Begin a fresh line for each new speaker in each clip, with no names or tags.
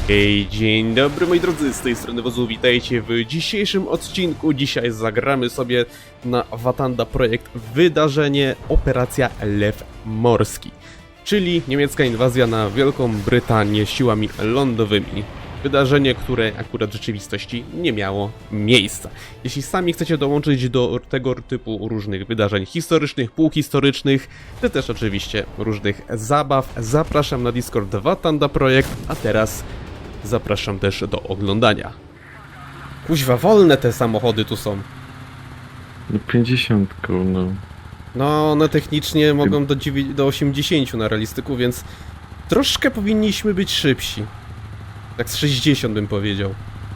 Hej, dzień dobry moi drodzy, z tej strony Wozu, witajcie w dzisiejszym odcinku. Dzisiaj zagramy sobie na Watanda Projekt wydarzenie Operacja Lew Morski, czyli niemiecka inwazja na Wielką Brytanię siłami lądowymi. Wydarzenie, które akurat w rzeczywistości nie miało miejsca. Jeśli sami chcecie dołączyć do tego typu różnych wydarzeń historycznych, półhistorycznych, czy też oczywiście różnych zabaw, zapraszam na Discord Watanda Projekt, a teraz zapraszam też do oglądania. Kuźwa, wolne te samochody tu są.
No 50, no.
No, one technicznie mogą do 80 na realistyku, więc troszkę powinniśmy być szybsi. Tak z 60 bym powiedział.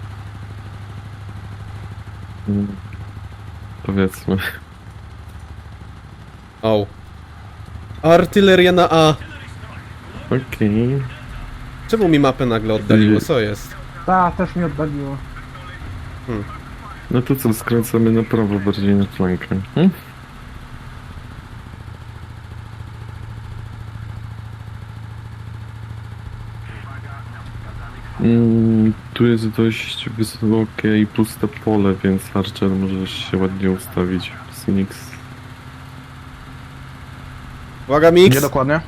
Powiedzmy.
O. Artyleria na A.
Okej.
Czemu mi mapę nagle oddaliło? Co jest?
Ta, też mi oddaliło.
No to co, skręcamy na prawo, bardziej na flankę. Tu jest dość wysokie i puste pole, więc Archer możesz się ładnie ustawić. Phoenix.
Uwaga, mix!
Gdzie dokładnie?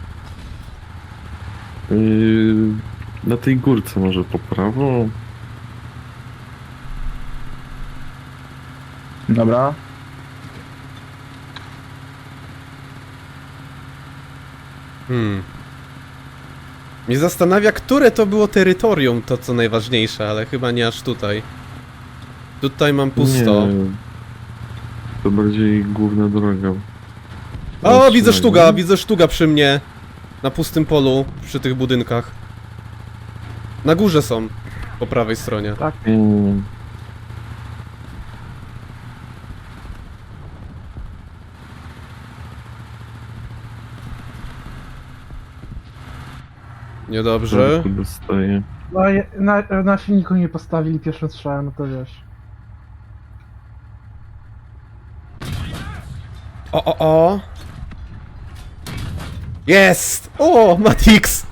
Na tej górce może po prawo.
Dobra.
Mnie zastanawia, które to było terytorium, to co najważniejsze, ale chyba nie aż tutaj. Tutaj mam pusto.
Nie, to bardziej główna droga.
O, widzę sztuga przy mnie. Na pustym polu, przy tych budynkach. Na górze są, po prawej stronie.
Tak.
Niedobrze.
Dostaję.
No, na silniku nie postawili pierwszym strzałem, no to wiesz.
O. Jest! O, Matix!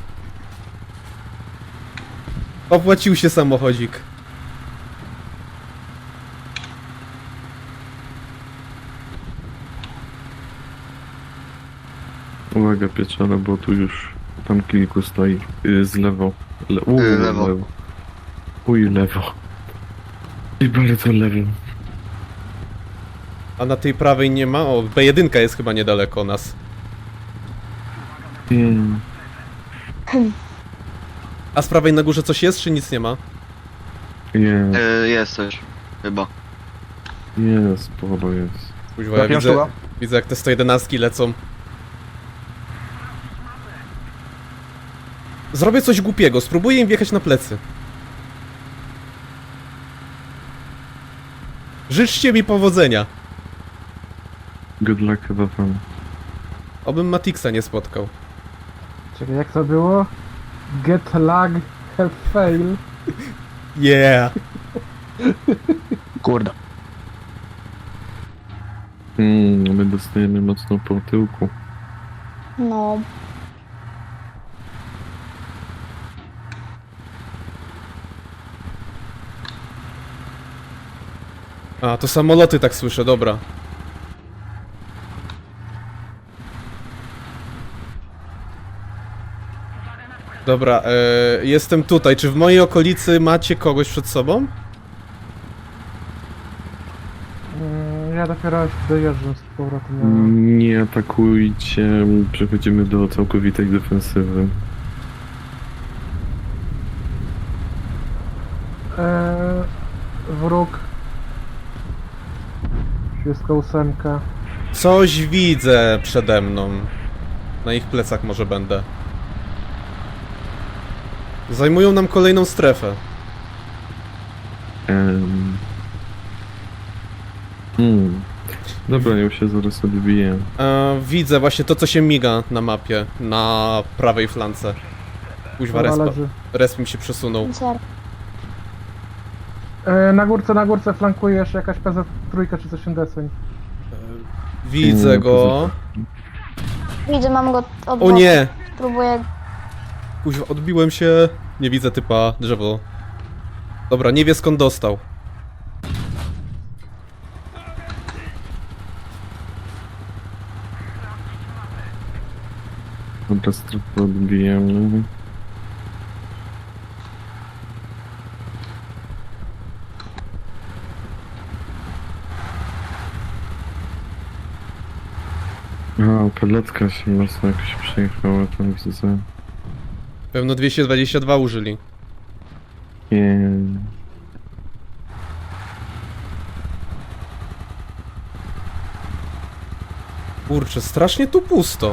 Opłacił się samochodzik.
Uwaga pieczone, bo tu już tam kilku stoi. Z lewo.
Lewo.
Lewo. I bardzo lewo.
A na tej prawej nie ma? O, B1 jest chyba niedaleko nas. A z prawej na górze coś jest, czy nic nie ma?
Nie,
Jest coś, chyba.
jest, sporo jest.
Kuźwa, ja widzę jak te 111 lecą. Zrobię coś głupiego, spróbuję im wjechać na plecy. Życzcie mi powodzenia.
Good luck chyba tam.
Obym Matixa nie spotkał.
Czekaj, jak to było? Get lag, help fail.
Yeah!
Kurde.
My dostajemy mocno po tyłku.
No,
A, to samoloty tak słyszę, dobra. Dobra, jestem tutaj. Czy w mojej okolicy macie kogoś przed sobą?
Ja dopiero dojeżdżam z powrotem.
Nie atakujcie, przechodzimy do całkowitej defensywy.
Wróg. 38.
Coś widzę przede mną. Na ich plecach może będę. Zajmują nam kolejną strefę.
Dobra, ja się zaraz odbiję.
Widzę właśnie to, co się miga na mapie, na prawej flance. Kuźwa,
Dobra,
respa.
leży.
Resp mi się przesunął.
zer.
Na górce flankujesz jakaś PZ3 czy coś deseń.
Widzę go.
Widzę, mam go od
O
boku.
nie!
Próbuję.
Kuźwa, odbiłem się. Nie widzę typa, drzewo. Dobra, nie wie skąd dostał.
Dobra, strefę odbijemy. A, peletka się mocno jakoś przejechała, tam widzę.
Pewno 222 użyli.
Nie.
Kurczę, strasznie tu pusto.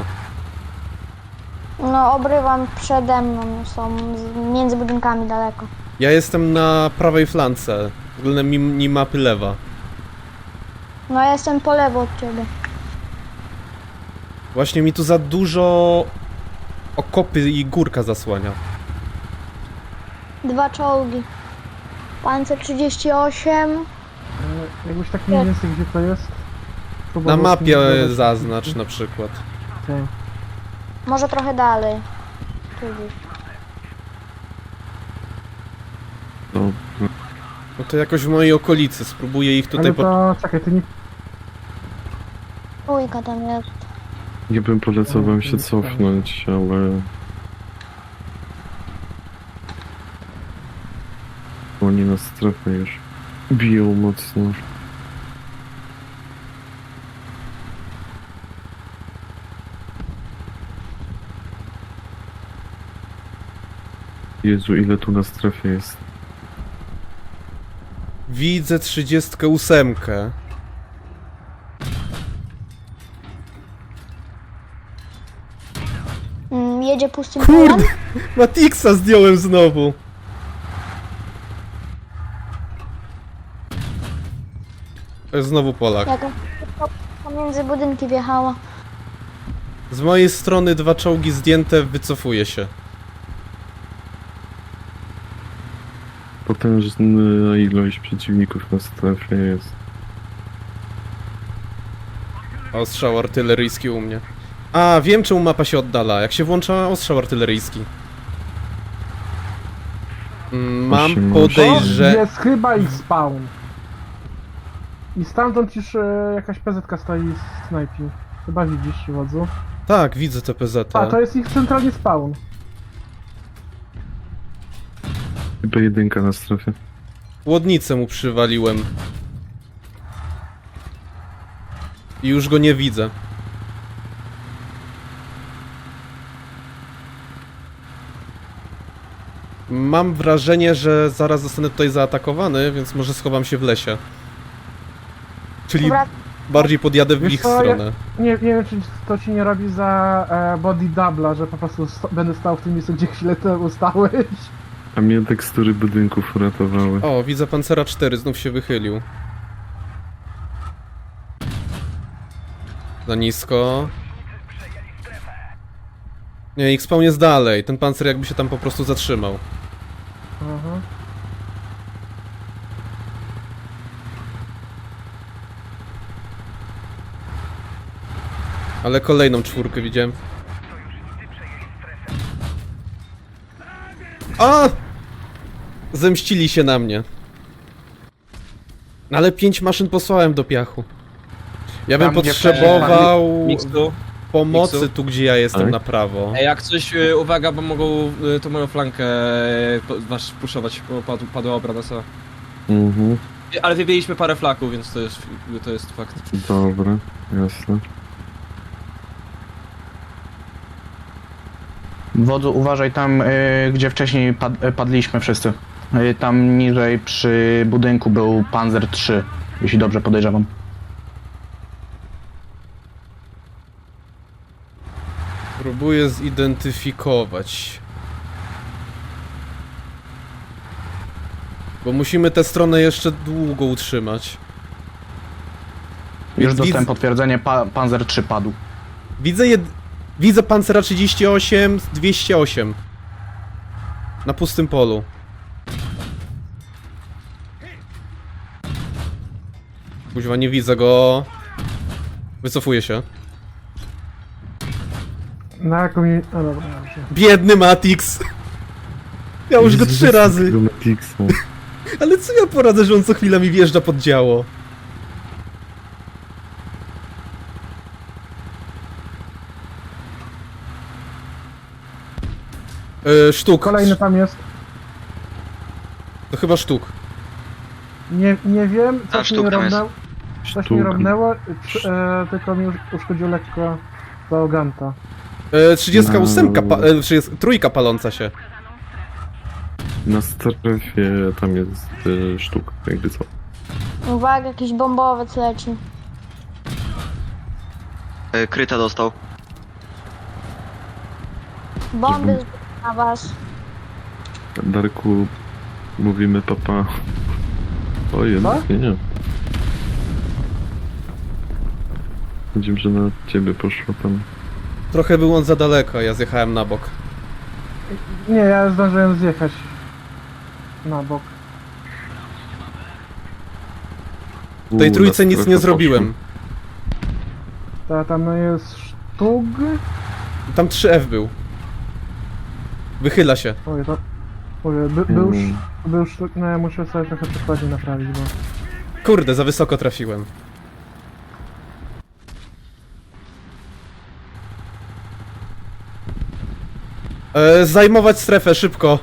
No, obrywam przede mną, są między budynkami daleko.
Ja jestem na prawej flance, względem minimapy lewa.
No, ja jestem po lewo od ciebie.
Właśnie mi tu za dużo okopy i górka zasłania.
2 czołgi. Pancer 38.
Jakbyś tak mniej więcej gdzie to jest?
Na
Próbował
mapie
sobie
zaznacz na przykład.
Okej.
Może trochę dalej. Tu gdzieś.
Dobra.
No to jakoś w mojej okolicy, spróbuję ich tutaj
Ale to czekaj, ty nie...
Trójka tam jest.
Ja bym polecał wam się cofnąć, ale... Oni na strefę już biją mocno. Jezu, ile tu na strefie jest.
Widzę 38.
Jedzie pustym
Kurde!
polem.
Matixa zdjąłem znowu. To jest znowu Polak.
Jaka pomiędzy budynki wjechała.
Z mojej strony 2 czołgi zdjęte, wycofuję się.
Potężna ilość przeciwników na strefie jest.
Ostrzał artyleryjski u mnie. A, wiem czemu mapa się oddala, jak się włącza ostrzał artyleryjski. Mam
Musimy-
To
podejrzenie...
jest chyba ich spawn. I stamtąd już jakaś PZ stoi z snajpi. Chyba widzisz, wodzu.
Tak, widzę te PZ.
A, to jest ich centralnie spawn.
Chyba jedynka na strefie.
Łodnicę mu przywaliłem. I już go nie widzę. Mam wrażenie, że zaraz zostanę tutaj zaatakowany, więc może schowam się w lesie. Czyli
Dobra,
bardziej podjadę w
Wiesz
ich
co,
stronę.
Nie wiem, czy to ci nie robi za body doubla, że po prostu będę stał w tym miejscu, gdzie chwilę temu stałeś.
A mnie tekstury budynków uratowały.
O, widzę Pancera 4, znów się wychylił. Za nisko. Nie, ich spawn jest dalej. Ten pancer jakby się tam po prostu zatrzymał.
Aha.
Ale kolejną 4 widziałem. A! Zemścili się na mnie. Ale 5 maszyn posłałem do piachu. Ja bym
Tam, gdzie
potrzebował
Miksu.
pomocy
Miksu.
tu, gdzie ja jestem
Tak?
na prawo.
Jak coś, uwaga, bo mogą tą moją flankę wasz puszować, bo padła obrona sama.
Mhm,
Ale wybiliśmy parę flaków, więc to jest fakt.
dobra, jasne.
Wodzu, uważaj tam, gdzie wcześniej padliśmy wszyscy. Tam niżej przy budynku był Panzer 3, jeśli dobrze podejrzewam.
Próbuję zidentyfikować. Bo musimy tę stronę jeszcze długo utrzymać.
Już
Widz-
dostałem potwierdzenie, Panzer 3 padł.
Widzę Pancera 38, 208. Na pustym polu. Kuźwa, nie widzę go. Wycofuję się.
Na jaką mi... A dobra, dobrze.
Biedny Matix! Ja już go 3 razy.
Tego Matixa.
Ale co ja poradzę, że on co chwila mi wjeżdża pod działo? Sztuk.
Kolejny tam jest.
To chyba sztuk.
Nie wiem,
A,
coś mi
sztuk tam jest.
robnęło. Coś
Sztuk.
mi robnęło, tylko mi uszkodził lekko załoganta.
38,
No.
trójka paląca się.
Na strefie tam jest sztuk, jakby co.
Uwaga, jakiś bombowiec leci.
Kryta dostał.
Bomby na was.
Darku, mówimy papa. O, jednak nie. Widzimy, że na ciebie poszło tam.
Trochę był on za daleko, ja zjechałem na bok.
Nie, ja zdążyłem zjechać na bok.
W tej trójce
na
nic
strefę
nie zrobiłem.
Tam jest sztug.
Tam 3F był. Wychyla się.
Oj, to... Oj, był sztug... No ja muszę sobie trochę przykładzie naprawić, bo...
Kurde, za wysoko trafiłem. Zajmować strefę, szybko.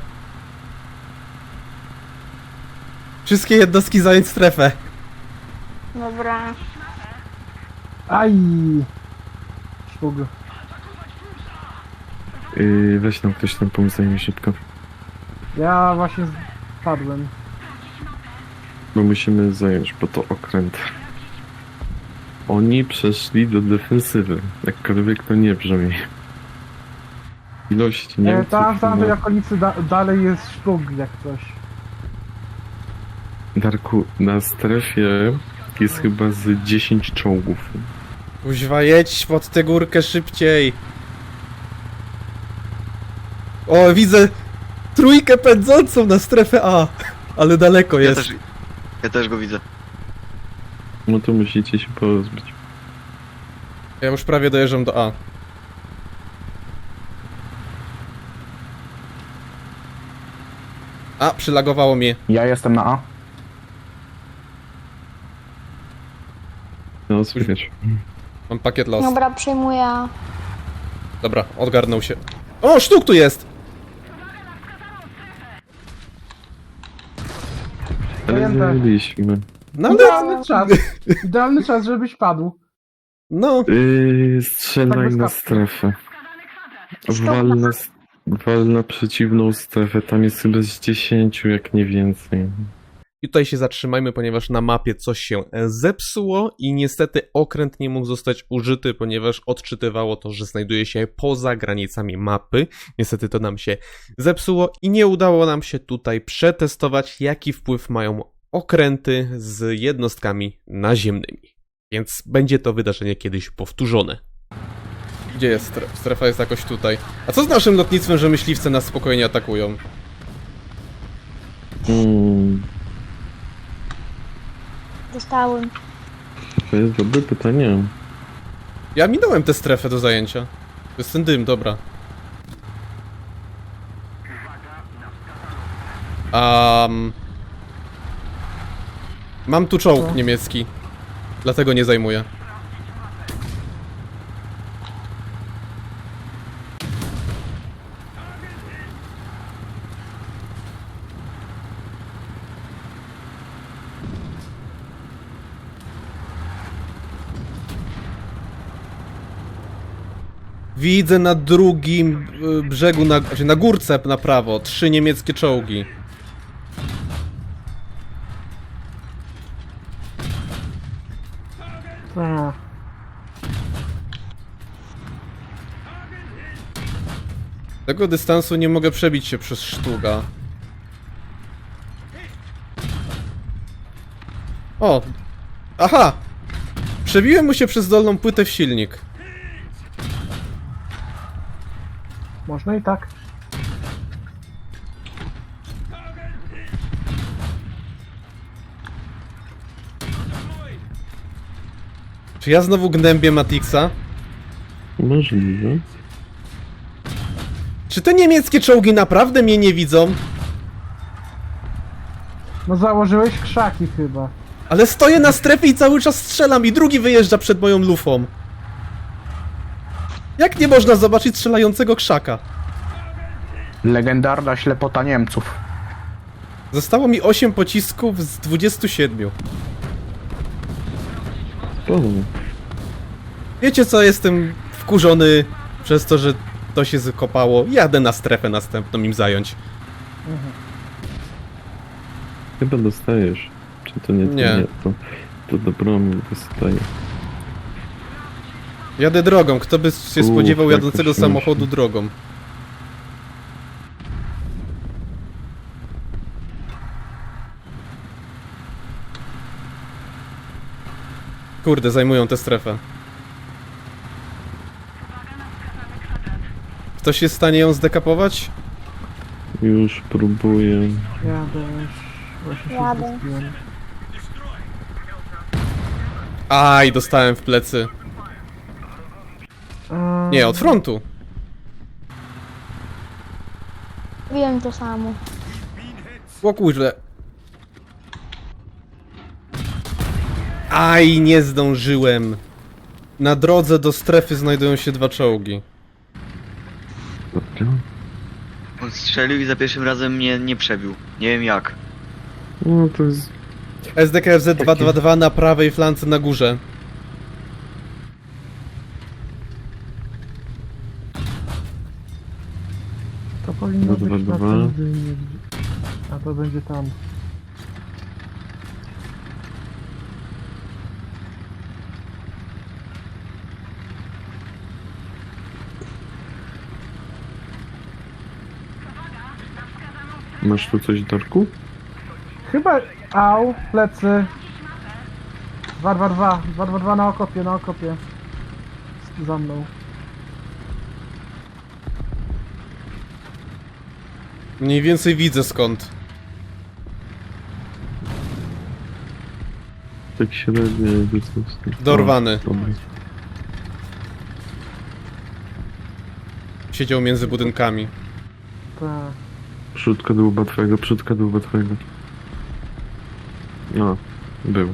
Wszystkie jednostki zająć strefę.
Dobra.
Aj! Sztug.
Weź nam ktoś tam pomóc zajmie szybko.
Ja właśnie padłem.
Bo musimy zająć, bo to okręt. Oni przeszli do defensywy. Jakkolwiek to nie brzmi. Ilość Niemców...
Tam w tamtej
no.
okolicy dalej jest sztug jak coś.
Darku, na strefie jest chyba z 10 czołgów.
Kuźwa, jedź pod tę górkę szybciej. O, widzę trójkę pędzącą na strefę A. Ale daleko jest.
Ja też go widzę.
No to musicie się porozbić.
Ja już prawie dojeżdżam do A. A, przylagowało mnie.
Ja jestem na A.
No, słychać.
Mam pakiet los.
Dobra, przejmuję.
Dobra, odgarnął się. O, sztuk tu jest!
Ale
Zajęte.
zajęliśmy.
No ale...
Idealny czas. Idealny czas, żebyś padł.
No,
Strzelaj
Tak
na
bez
strefę. Wal na przeciwną strefę. Tam jest chyba z 10, jak nie więcej.
i tutaj się zatrzymajmy, ponieważ na mapie coś się zepsuło i niestety okręt nie mógł zostać użyty, ponieważ odczytywało to, że znajduje się poza granicami mapy. Niestety to nam się zepsuło i nie udało nam się tutaj przetestować, jaki wpływ mają okręty z jednostkami naziemnymi. Więc będzie to wydarzenie kiedyś powtórzone. Gdzie jest strefa? Strefa jest jakoś tutaj. A co z naszym lotnictwem, że myśliwce nas spokojnie atakują?
Dostałem.
To jest dobre pytanie.
Ja minąłem tę strefę do zajęcia. To jest ten dym, dobra. Mam tu czołg
Co?
niemiecki. Dlatego nie zajmuję. Widzę na drugim brzegu, znaczy na górce na prawo, 3 niemieckie czołgi.
A,
Z tego dystansu nie mogę przebić się przez sztuga. O! Aha! Przebiłem mu się przez dolną płytę w silnik.
można i tak.
Czy ja znowu gnębię Matixa?
Możliwe.
Czy te niemieckie czołgi naprawdę mnie nie widzą?
No założyłeś krzaki chyba.
Ale stoję na strefie i cały czas strzelam i drugi wyjeżdża przed moją lufą. Jak nie można zobaczyć strzelającego krzaka?
Legendarna ślepota Niemców.
Zostało mi 8 pocisków z 27.
O,
Wiecie co, jestem wkurzony przez to, że to się zakopało. Jadę na strefę następną im zająć.
chyba dostajesz. Czy to nie? To
Nie.
to dobro mi dostaje.
Jadę drogą, kto by się spodziewał
jaka
jadącego
śmieszna.
samochodu drogą. Kurde, zajmują tę strefę. Ktoś jest w stanie ją zdekapować?
Już próbuję.
Jadę już. Właśnie się
Jadę.
zrespiłem.
Aj, dostałem w plecy. Nie, od frontu.
Wiem to samo.
O kurze. Aj, nie zdążyłem. Na drodze do strefy znajdują się 2 czołgi.
Dobra.
On strzelił i za pierwszym razem mnie nie przebił. Nie wiem jak.
No to jest...
SDKFZ 222 na prawej flance na górze.
To powinno
Dwa,
być
dwa,
na
dwa.
tym dynie. A to będzie tam.
Masz tu coś, Darku?
Chyba... Au, plecy. 222. 222 na okopie, na okopie. Za mną.
Mniej więcej widzę skąd.
Tak średnio jakby coś.
Dorwany.
O, dobra.
Siedział między budynkami.
Tak.
Przódka dłuba twojego, przódka dłuba twojego. No, był.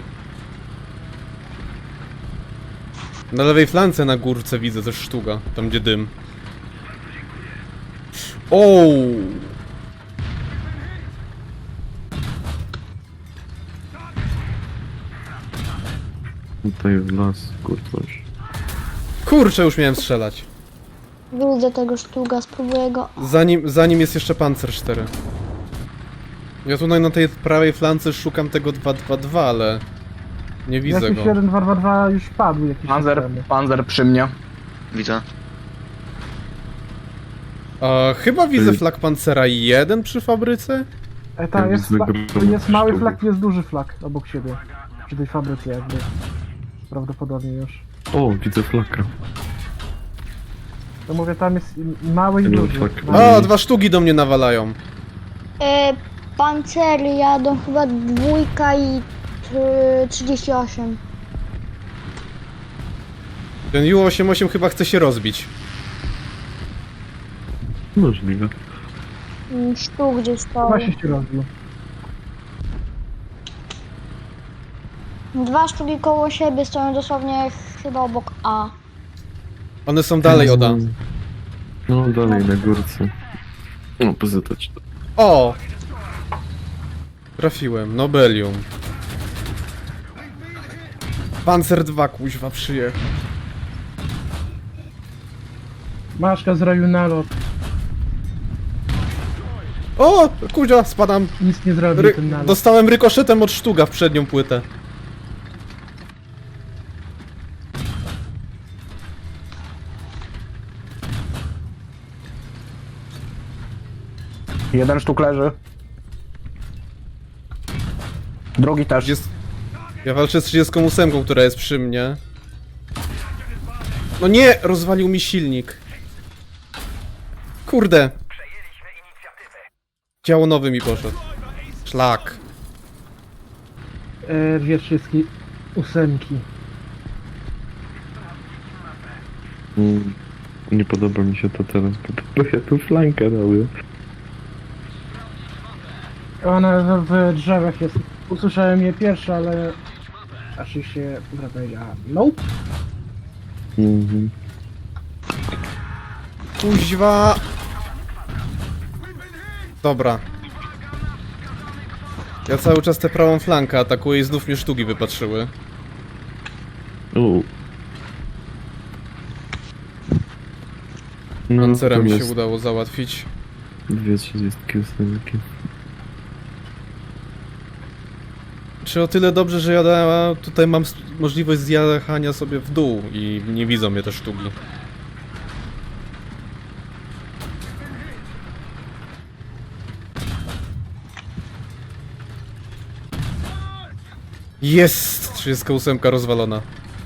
Na lewej flance na górce widzę też sztuga. Tam gdzie dym. O!
Tutaj w las, kurczę.
Kurczę, już miałem strzelać.
Widzę tego sztuga, spróbuję go.
Zanim jest jeszcze Panzer 4. Ja tutaj na tej prawej flance szukam tego 222, ale nie widzę
Jakiś
go.
1222 już padł jakiś czas temu.
Panzer przy mnie.
Widzę.
Chyba widzę flag Pancera 1 przy fabryce?
Tam
Ja
jest,
widzę
jest mały
sztukę.
flag i jest duży flag obok siebie. Przy tej fabryce jakby. Prawdopodobnie już.
O, widzę flaka.
To mówię, tam jest mały i
No,
duży.
tak.
Mały.
O, 2 sztuki do mnie nawalają.
Pancery jadą chyba 2 i 38.
Ten Ju-88 chyba chce się rozbić.
Możliwe.
Sztuk gdzieś stał.
Właśnie się rozbił.
2 sztuki koło siebie stoją dosłownie chyba obok A.
One są dalej od A.
No, dalej na górce. No, pozytać.
O! Trafiłem, Nobelium. Panzer 2 kuźwa przyjechał.
Maszka zrobił nalot.
O! Kuźwa, spadam.
Nic nie zrobił ten nalot.
Dostałem rykoszetem od sztuga w przednią płytę.
Jeden sztuk leży. Drugi też.
Ja walczę z 38, która jest przy mnie. No nie! Rozwalił mi silnik. Kurde. Działo nowy mi poszedł. Szlak.
Dwie wszystkie ósemki.
nie podoba mi się to teraz, bo ja tu flankę robię.
Ona w drzewach jest. Usłyszałem je pierwsze, ale... Aż się powiedziała. Nope.
Mhm.
Kuźwa! Dobra. Ja cały czas tę prawą flankę atakuję i znów mnie sztuki wypatrzyły.
No,
Pancerem mi się
jest
udało załatwić.
238.
Czy o tyle dobrze, że ja tutaj mam możliwość zjechania sobie w dół i nie widzą mnie te sztuki. Jest! 38 rozwalona.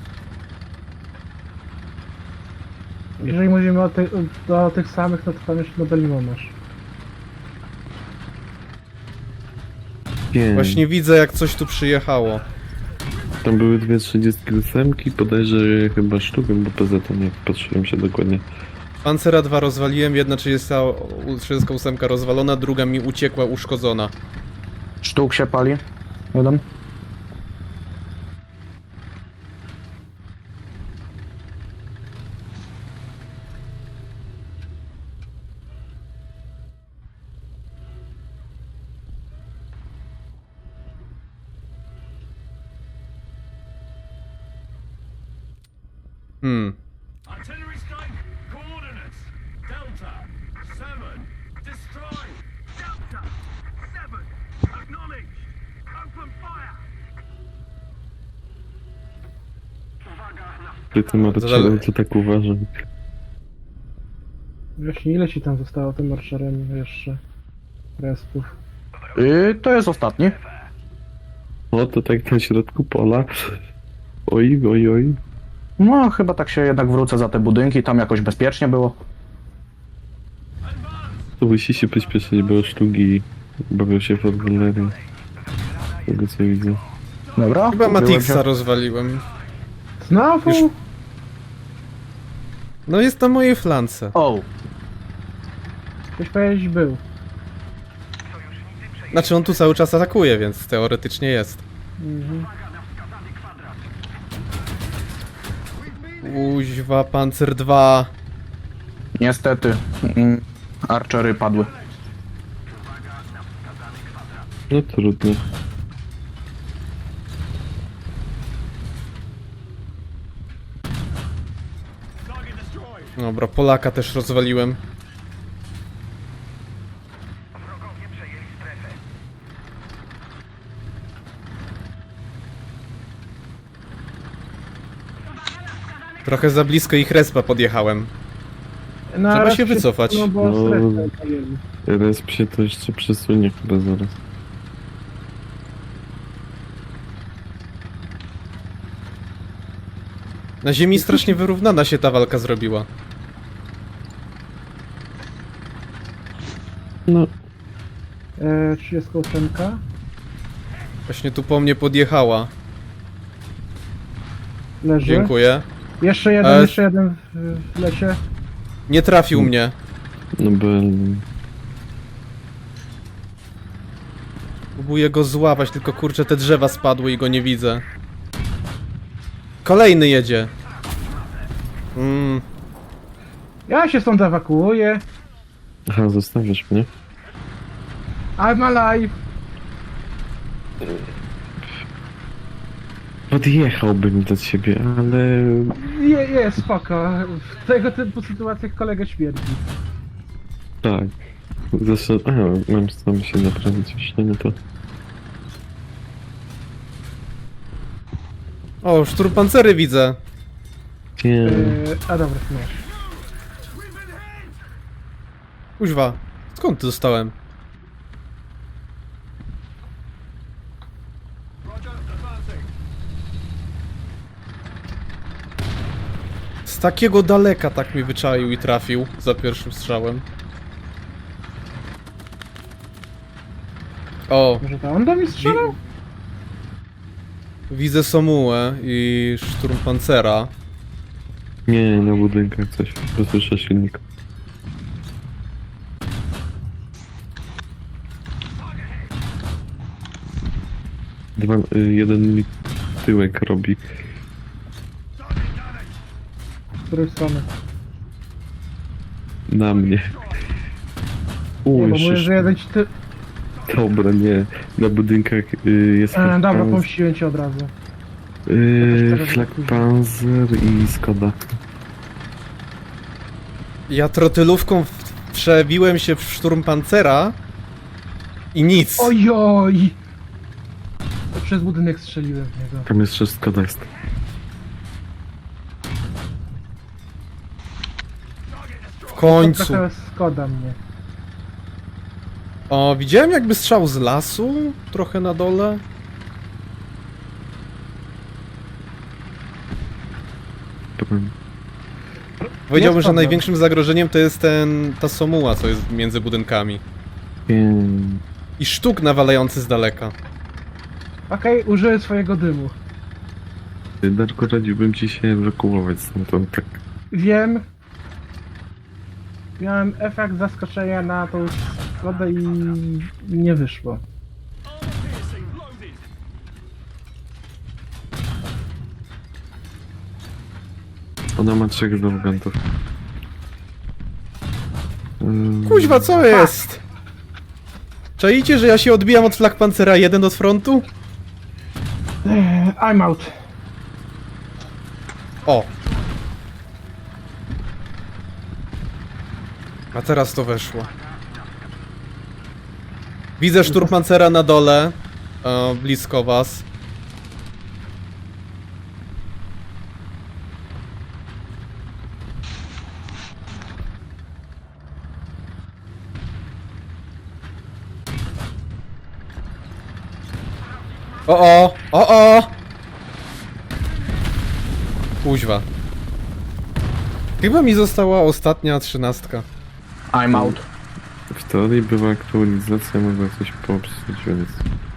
Jeżeli mówimy o tych samych, no to tam jeszcze Nobelimo masz.
Właśnie widzę, jak coś tu przyjechało.
Tam były 238, bodajże chyba sztukę, bo poza tym nie patrzyłem się dokładnie.
Pancera 2 rozwaliłem, jedna 38 rozwalona, druga mi uciekła, uszkodzona.
Sztuk się pali. Jeden.
Artillery strike, coordinates. Delta, 7, destroy. Delta, 7, acknowledged. Open fire.
Ty tym archerem to tak uważam.
Właśnie ile ci tam zostało tym marszerem jeszcze? Respów.
To jest ostatni.
O, to tak na środku pola. Oj, oj, oj.
No, chyba tak się jednak wrócę za te budynki, tam jakoś bezpiecznie było.
To musi się pośpieszyć, bo sztuki bawią się w artylerię. Z tego co widzę.
Dobra.
Chyba
ukryłem
Matixa
się.
rozwaliłem.
Znowu?
Już- No jest na mojej flance.
O,
Ktoś powiedzieć był.
Znaczy on tu cały czas atakuje, więc teoretycznie jest.
Mhm.
Kuźwa, Pancer 2.
niestety. Archery padły.
No trudno.
Dobra, Polaka też rozwaliłem. Trochę za blisko ich respa podjechałem.
No,
Trzeba
raz
się wycofać.
No bo
No.
strefę pojęli.
Resp się to jeszcze przesunie chyba zaraz.
Na ziemi strasznie wyrównana się ta walka zrobiła.
No,
38.
Właśnie tu po mnie podjechała.
Leży.
Dziękuję.
Jeszcze jeden w lesie.
Nie trafił mnie.
no bo...
Próbuję go złapać, tylko kurczę te drzewa spadły i go nie widzę. Kolejny jedzie.
Ja się stąd ewakuuję.
Aha, zostawiasz mnie?
I'm alive.
Podjechałbym do ciebie, ale...
Jest spoko. W tego typu sytuacjach kolega śmierdzi.
Tak. Zresztą... A, mam sam się naprawić jeszcze, no to...
O, szturmpancery widzę.
Nie,
A dobra, masz.
Kuźwa, skąd to dostałem? Z takiego daleka tak mi wyczaił i trafił za pierwszym strzałem. O,
Może to on do mnie strzelał?
widzę Somułę i szturmpancera.
Nie, na budynkach coś. Bo słyszę silnik. Jeden mi tyłek robi.
Z której strony?
Na mnie.
Nie, bo
Jeszcze
mówię, że jeden ci ty...
Dobra, nie. Na budynkach jest
Dobra, pomściłem cię od razu.
Flak Panzer i Skoda.
Ja trotylówką przebiłem się w szturm pancera i nic.
Ojoj! To przez budynek strzeliłem w niego.
Tam jeszcze Skoda jest.
W końcu.
Trochę Skoda mnie.
O, widziałem jakby strzał z lasu, trochę na dole. Powiedziałbym, że
problem.
największym zagrożeniem to jest ta somuła, co jest między budynkami. I sztuk nawalający z daleka.
Okej, użyję swojego dymu.
Darko, radziłbym ci się ewakuować stamtąd, tak.
Wiem. Miałem efekt zaskoczenia na tą Skodę i nie wyszło.
Ona ma 3 zawgantów.
Kuźwa, co jest? Czaicie, że ja się odbijam od Flak Pancera 1 od frontu?
I'm out.
O! A teraz to weszło. Widzę szturmpancera na dole, blisko was. O! Kuźwa. Chyba mi została ostatnia 13.
I'm out.
W teorii była aktualizacja, mogła coś popsuć, więc...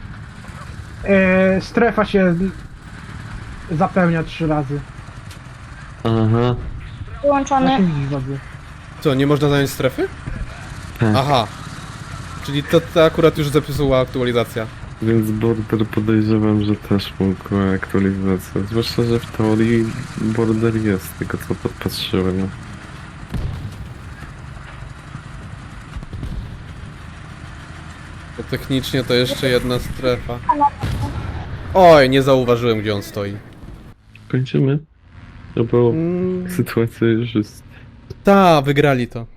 Strefa się zapełnia 3 razy.
Aha.
Wyłączony.
Jak się widzisz, wodzy?
Co, nie można zająć strefy?
Tak.
Aha. Czyli to akurat już zepsuła aktualizacja.
Więc Border podejrzewam, że też mogła aktualizacja. Zwłaszcza, że w teorii Border jest, tylko co podpatrzyłem.
Bo technicznie to jeszcze jedna strefa. Oj, nie zauważyłem, gdzie on stoi.
Kończymy? No bo sytuacja już jest...
Ta, wygrali to.